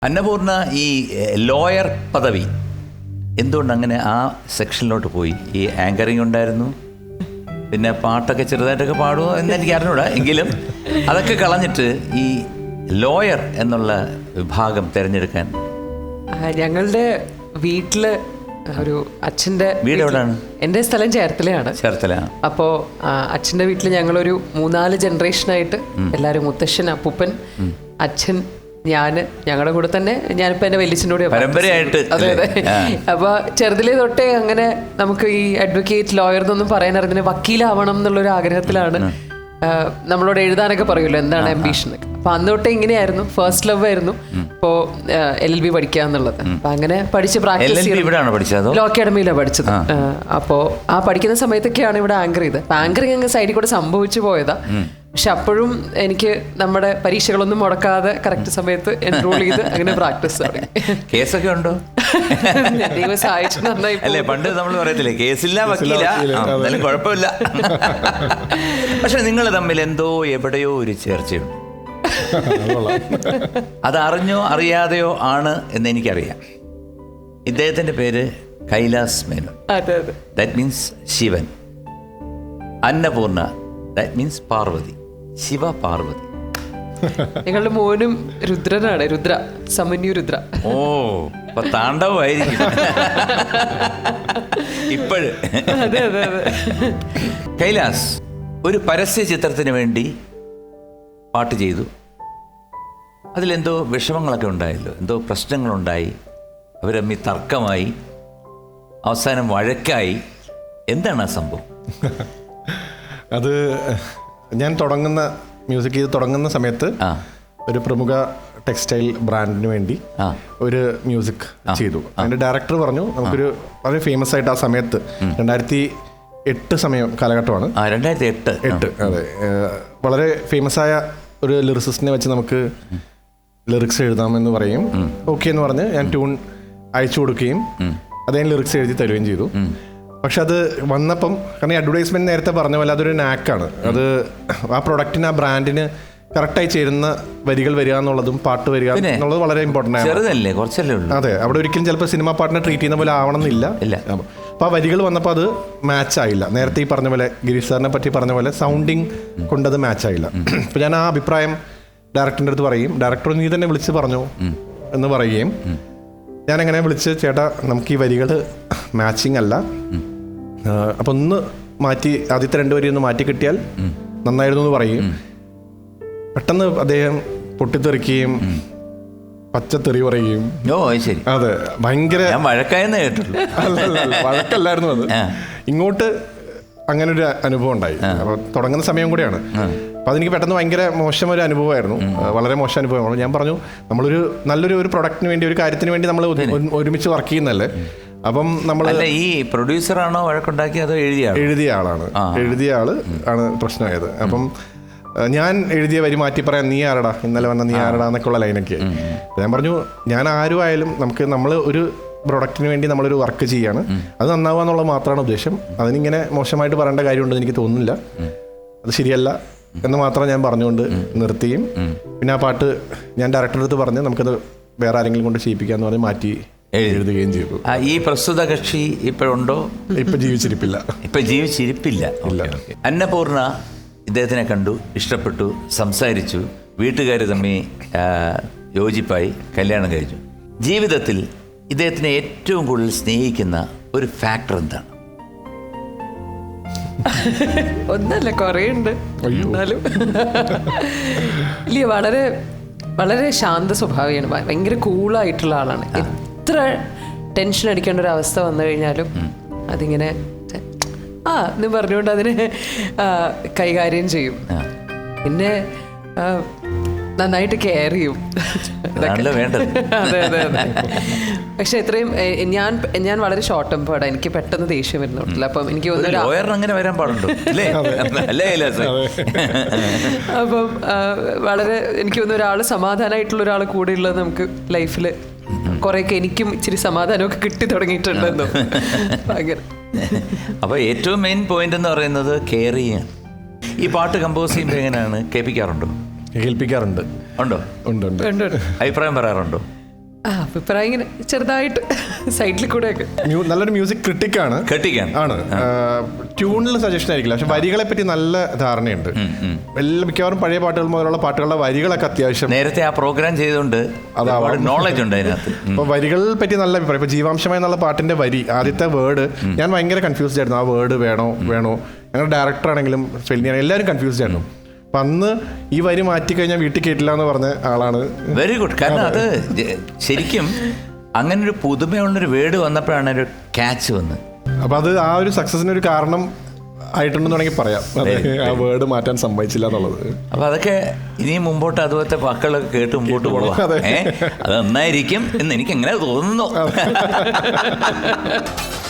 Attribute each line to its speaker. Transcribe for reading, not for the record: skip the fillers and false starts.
Speaker 1: അന്നപൂർണ ഈ ലോയർ പദവി എന്തുകൊണ്ട് അങ്ങനെ ആ സെക്ഷനിലോട്ട് പോയി? ഈ ആങ്കറിങ് ഉണ്ടായിരുന്നു, പിന്നെ പാട്ടൊക്കെ ചെറുതായിട്ടൊക്കെ പാടുമോ എന്ന് എനിക്ക് അറിഞ്ഞൂടാ, എങ്കിലും അതൊക്കെ കളഞ്ഞിട്ട് ഈ ലോയർ എന്നുള്ള വിഭാഗം തിരഞ്ഞെടുക്കാൻ.
Speaker 2: ഞങ്ങളുടെ വീട്ടില് ഒരു അച്ഛൻ്റെ
Speaker 1: വീട് എവിടെയാണ്?
Speaker 2: എൻ്റെ സ്ഥലം ചേർത്തലയാണ്.
Speaker 1: ചേർത്തല.
Speaker 2: അപ്പോൾ അച്ഛൻ്റെ വീട്ടിൽ ഞങ്ങളൊരു 3-4 ജനറേഷനായിട്ട് എല്ലാവരും, മുത്തശ്ശൻ, അപ്പൂപ്പൻ, അച്ഛൻ, ഞങ്ങളുടെ കൂടെ തന്നെ ഞാനിപ്പോൾ എൻ്റെ വലിയച്ഛൻ്റെ കൂടെ
Speaker 1: പരമ്പരയായിട്ട്.
Speaker 2: അതെ അതെ. അപ്പോൾ ചെറുതിലേ തൊട്ടേ അങ്ങനെ നമുക്ക് ഈ അഡ്വക്കേറ്റ്, ലോയർ എന്നൊന്നും പറയാൻ അറിയുന്ന, വക്കീലാവണം എന്നുള്ളൊരു ആഗ്രഹത്തിലാണ്. നമ്മളോട് എഴുതാനൊക്കെ പറയുമല്ലോ എന്താണ് അംബീഷൻ എന്നൊക്കെ. അപ്പോൾ അന്ന് തൊട്ടേ ഇങ്ങനെയായിരുന്നു. ഫസ്റ്റ് ലവ് ആയിരുന്നു ഇപ്പോൾ LLB പഠിക്കുക എന്നുള്ളത്. അപ്പം അങ്ങനെ പഠിച്ച് പ്രാക്ടീസ് ചെയ്തു. ലോ അക്കാഡമിയിലാണ് പഠിച്ചത്. അപ്പോൾ ആ പഠിക്കുന്ന സമയത്തൊക്കെയാണ് ഇവിടെ ആങ്കർ ചെയ്തത്. അപ്പം ആങ്കറിങ് അങ്ങ് സൈഡിൽ കൂടെ സംഭവിച്ചു പോയതാ. പക്ഷെ അപ്പോഴും എനിക്ക് നമ്മുടെ പരീക്ഷകളൊന്നും മുടക്കാതെ കറക്റ്റ് സമയത്ത് എൻറോൾ ചെയ്ത് അങ്ങനെ പ്രാക്ടീസ് തുടങ്ങി.
Speaker 1: കേസൊക്കെ ഉണ്ടോ?
Speaker 2: ദൈവം സഹായിച്ചു, നന്നായി.
Speaker 1: അല്ലേ, പണ്ട് നമ്മൾ പറയത്തില്ലേ കേസില്ല വക്കീല, എന്നാലും കുഴപ്പമില്ല. പക്ഷെ നിങ്ങൾ തമ്മിൽ എന്തോ എവിടെയോ ഒരു ചേർച്ചയുണ്ട്. അതറിഞ്ഞോ അറിയാതെയോ ആണ് എന്ന് എനിക്കറിയാം. ഇദ്ദേഹത്തിന്റെ പേര് Kailas Menon. That means Shivan. Annapurna that means Parvathi. Shiva Parvathi.
Speaker 2: ഞങ്ങളുടെ മോനും രുദ്രനാണ്. രുദ്ര, സമന്യു രുദ്ര.
Speaker 1: ഓ, അപ്പൊ താണ്ഡവമായിരിക്കും ഇപ്പോഴ്. കൈലാസ് ഒരു പരസ്യ ചിത്രത്തിന് വേണ്ടി പാട്ട് ചെയ്തു. അതിലെന്തോ വിഷമങ്ങളൊക്കെ ഉണ്ടായല്ലോ, എന്തോ പ്രശ്നങ്ങളുണ്ടായി, അവരമ്മി തർക്കമായി, അവസാനം വഴക്കായി. എന്താണ് ആ സംഭവം?
Speaker 3: അത് ഞാൻ മ്യൂസിക് ചെയ്ത് തുടങ്ങുന്ന സമയത്ത് ഒരു പ്രമുഖ ടെക്സ്റ്റൈൽ ബ്രാൻഡിന് വേണ്ടി ഒരു മ്യൂസിക് ചെയ്തു. അതിൻ്റെ ഡയറക്ടർ പറഞ്ഞു നമുക്കൊരു വളരെ ഫേമസ് ആയിട്ട് ആ സമയത്ത് 2008 കാലഘട്ടമാണ്. 2008. അതെ, വളരെ ഫേമസ് ആയ ഒരു ലിറിസിസ്റ്റിനെ വെച്ച് നമുക്ക് ലിറിക്സ് എഴുതാമെന്ന് പറയും. ഓക്കെ എന്ന് പറഞ്ഞ് ഞാൻ ട്യൂൺ അയച്ചു കൊടുക്കുകയും അദ്ദേഹം ലിറിക്സ് എഴുതി തരുകയും ചെയ്തു. പക്ഷെ അത് വന്നപ്പം, കാരണം ഈ അഡ്വർടൈസ്മെന്റ് നേരത്തെ പറഞ്ഞ പോലെ അതൊരു നാക്കാണ്. അത് ആ പ്രൊഡക്റ്റിന്, ആ ബ്രാൻഡിന് കറക്റ്റായി ചേരുന്ന വരികൾ വരിക എന്നുള്ളതും പാട്ട് വരിക എന്നുള്ളത് വളരെ ഇമ്പോർട്ടൻ്റ് ആണ്. അതെ, അവിടെ ഒരിക്കലും ചിലപ്പോൾ സിനിമ പാട്ടിനെ ട്രീറ്റ് ചെയ്യുന്ന പോലെ ആവണം എന്നില്ല. അപ്പോൾ ആ വരികൾ വന്നപ്പോൾ അത് മാച്ച് ആയില്ല. നേരത്തെ ഈ പറഞ്ഞ പോലെ, ഗിരീഷ് സാറിനെ പറ്റി പറഞ്ഞ പോലെ സൗണ്ടിങ് കൊണ്ടത് മാച്ച് ആയില്ല. അപ്പോൾ ഞാൻ ആ അഭിപ്രായം ഡയറക്ടറിൻ്റെ അടുത്ത് പറയും. ഡയറക്ടർ നീ തന്നെ വിളിച്ച് പറഞ്ഞു എന്ന് പറയുകയും ഞാനങ്ങനെ വിളിച്ച്, ചേട്ടാ നമുക്ക് ഈ വരികൾ മാച്ചിങ് അല്ല, അപ്പം ഒന്ന് മാറ്റി, ആദ്യത്തെ 2 വരി ഒന്ന് മാറ്റി കിട്ടിയാൽ നന്നായിരുന്നു എന്ന് പറയും. പെട്ടെന്ന് അദ്ദേഹം പൊട്ടിത്തെറിക്കുകയും പച്ചത്തെറി പറയുകയും. അതെ, ഭയങ്കര വഴക്കല്ലായിരുന്നു അത്. ഇങ്ങോട്ട് അങ്ങനെ ഒരു അനുഭവം ഉണ്ടായി. അപ്പോൾ തുടങ്ങുന്ന സമയം കൂടെയാണ്. അപ്പോൾ അതെനിക്ക് പെട്ടെന്ന് ഭയങ്കര മോശം ഒരു അനുഭവമായിരുന്നു, വളരെ മോശം അനുഭവമാണ്. ഞാൻ പറഞ്ഞു നമ്മളൊരു നല്ലൊരു പ്രൊഡക്റ്റിന് വേണ്ടി, ഒരു കാര്യത്തിന് വേണ്ടി നമ്മൾ ഒരുമിച്ച് വർക്ക് ചെയ്യുന്നതല്ലേ. അപ്പം നമ്മൾ
Speaker 1: ഈ പ്രൊഡ്യൂസറാണോ വഴക്കുണ്ടാക്കിയത് അതോ
Speaker 3: എഴുതിയ ആളാണ്? എഴുതിയ ആള് ആണ് പ്രശ്നമായത്. അപ്പം ഞാൻ എഴുതിയ വരി മാറ്റി പറയാൻ നീ ആരടാ, ഇന്നലെ വന്ന നീ ആരടാ എന്നൊക്കെയുള്ള ലൈനൊക്കെ. ഞാൻ പറഞ്ഞു ഞാൻ ആരും ആയാലും നമ്മൾ ഒരു പ്രൊഡക്റ്റിന് വേണ്ടി നമ്മളൊരു വർക്ക് ചെയ്യാണ്, അത് നന്നാവുക എന്നുള്ളത് മാത്രമാണ് ഉദ്ദേശം. അതിനിങ്ങനെ മോശമായിട്ട് പറയേണ്ട കാര്യമുണ്ടെന്ന് എനിക്ക് തോന്നുന്നില്ല, അത് ശരിയല്ല എന്ന് മാത്രം ഞാൻ പറഞ്ഞുകൊണ്ട് നിർത്തിയും. പിന്നെ ആ പാട്ട് ഞാൻ ഡയറക്ടറുടെ അടുത്ത് പറഞ്ഞ് നമുക്കത് വേറെ ആരെങ്കിലും കൊണ്ട് ചെയ്യിപ്പിക്കാന്ന് പറഞ്ഞ് മാറ്റി എഴുതുകയും ചെയ്തു.
Speaker 1: ഈ പ്രസ്തുത കക്ഷി ഇപ്പോഴുണ്ടോ?
Speaker 3: ഇപ്പൊ ജീവിച്ചിരിപ്പില്ല.
Speaker 1: അന്നപൂർണ ഇദ്ദേഹത്തിനെ കണ്ടു, ഇഷ്ടപ്പെട്ടു, സംസാരിച്ചു, വീട്ടുകാർ തമ്മിൽ യോജിപ്പായി, കല്യാണം കഴിച്ചു. ജീവിതത്തിൽ ഇദ്ദേഹത്തിനെ ഏറ്റവും കൂടുതൽ സ്നേഹിക്കുന്ന ഒരു ഫാക്ടർ എന്താണ്?
Speaker 2: ഒന്നല്ല, കുറേ ഉണ്ട്. എന്നാലും ഇല്ല, വളരെ വളരെ ശാന്ത സ്വഭാവിയാണ്, ഭയങ്കര കൂളായിട്ടുള്ള ആളാണ്. എത്ര ടെൻഷൻ അടിക്കേണ്ട ഒരു അവസ്ഥ വന്നു കഴിഞ്ഞാലും അതിങ്ങനെ എന്ന് പറഞ്ഞുകൊണ്ട് അതിനെ കൈകാര്യം ചെയ്യും. പിന്നെ നന്നായിട്ട് കെയർ ചെയ്യും. അതെ അതെ അതെ. പക്ഷെ എത്രയും ഞാൻ വളരെ ഷോർട്ട് ടെമ്പേർഡ്, എനിക്ക് പെട്ടെന്ന് ദേഷ്യം വരുന്നില്ല. അപ്പം എനിക്ക് അപ്പം വളരെ എനിക്ക് തോന്നുന്നു ഒരാൾ സമാധാനമായിട്ടുള്ള ഒരാൾ കൂടെ ഉള്ളത് നമുക്ക് ലൈഫിൽ കുറേയൊക്കെ എനിക്കും ഇച്ചിരി സമാധാനമൊക്കെ കിട്ടി തുടങ്ങിയിട്ടുണ്ടെന്നോ. ഭയങ്കര.
Speaker 1: അപ്പോൾ ഏറ്റവും മെയിൻ പോയിന്റ് എന്ന് പറയുന്നത് കെയർ ചെയ്യാൻ. ഈ പാട്ട് കമ്പോസ് ചെയ്യുമ്പോൾ എങ്ങനെയാണ്? കേൾപ്പിക്കാറുണ്ടോ?
Speaker 3: കേൾപ്പിക്കാറുണ്ട്.
Speaker 1: ഉണ്ടോ?
Speaker 3: ഉണ്ട്.
Speaker 1: അഭിപ്രായം പറയാറുണ്ടോ?
Speaker 2: അഭിപ്രായം ഇങ്ങനെ ചെറുതായിട്ട് സൈഡിൽ കൂടെയൊക്കെ.
Speaker 3: നല്ലൊരു മ്യൂസിക് ക്രിട്ടിക്കാണ്. ആണ്. ട്യൂണിൽ സജഷൻ ആയിരിക്കില്ല, പക്ഷെ വരികളെ പറ്റി നല്ല ധാരണയുണ്ട്. എല്ലാ മിക്കവാറും പഴയ പാട്ടുകൾ മുതലുള്ള പാട്ടുകളുടെ വരികളൊക്കെ അത്യാവശ്യം
Speaker 1: നേരത്തെ ആ പ്രോഗ്രാം ചെയ്തുകൊണ്ട് നോളജ് ഉണ്ട് അതിനകത്ത്.
Speaker 3: അപ്പൊ വരികളെ പറ്റി നല്ല അഭിപ്രായം. ഇപ്പൊ ജീവാംശമായി എന്നുള്ള പാട്ടിന്റെ വരി, ആദ്യത്തെ വേർഡ് ഞാൻ ഭയങ്കര കൺഫ്യൂസ്ഡ് ആയിരുന്നു. ആ വേർഡ് വേണോ ഞങ്ങളുടെ ഡയറക്ടർ ആണെങ്കിലും ഫെലിനിയാണെങ്കിലും എല്ലാവരും കൺഫ്യൂസ്ഡ് ആയിരുന്നു. അപ്പൊ അന്ന് ഈ വരി മാറ്റി കഴിഞ്ഞാൽ വീട്ടിൽ കേട്ടില്ല എന്ന് പറഞ്ഞ ആളാണ്.
Speaker 1: Very good. കാരണം അത് ശരിക്കും അങ്ങനെ ഒരു പുതുമയുള്ളൊരു വേർഡ് വന്നപ്പോഴാണ് ഒരു ക്യാച്ച് വന്നത്.
Speaker 3: അപ്പൊ അത് ആ ഒരു സക്സസിനൊരു കാരണം ആയിട്ടുണ്ടെന്ന് വേണമെങ്കിൽ പറയാം. ആ വേർഡ് മാറ്റാൻ സമ്മതിച്ചില്ല എന്നുള്ളത്.
Speaker 1: അപ്പൊ അതൊക്കെ ഇനിയും മുമ്പോട്ട് അതുപോലത്തെ വാക്കുകളൊക്കെ കേട്ട് മുമ്പോട്ട് പോകാം. അത് നന്നായിരിക്കും എന്ന് എനിക്ക് എങ്ങനെ തോന്നുന്നു.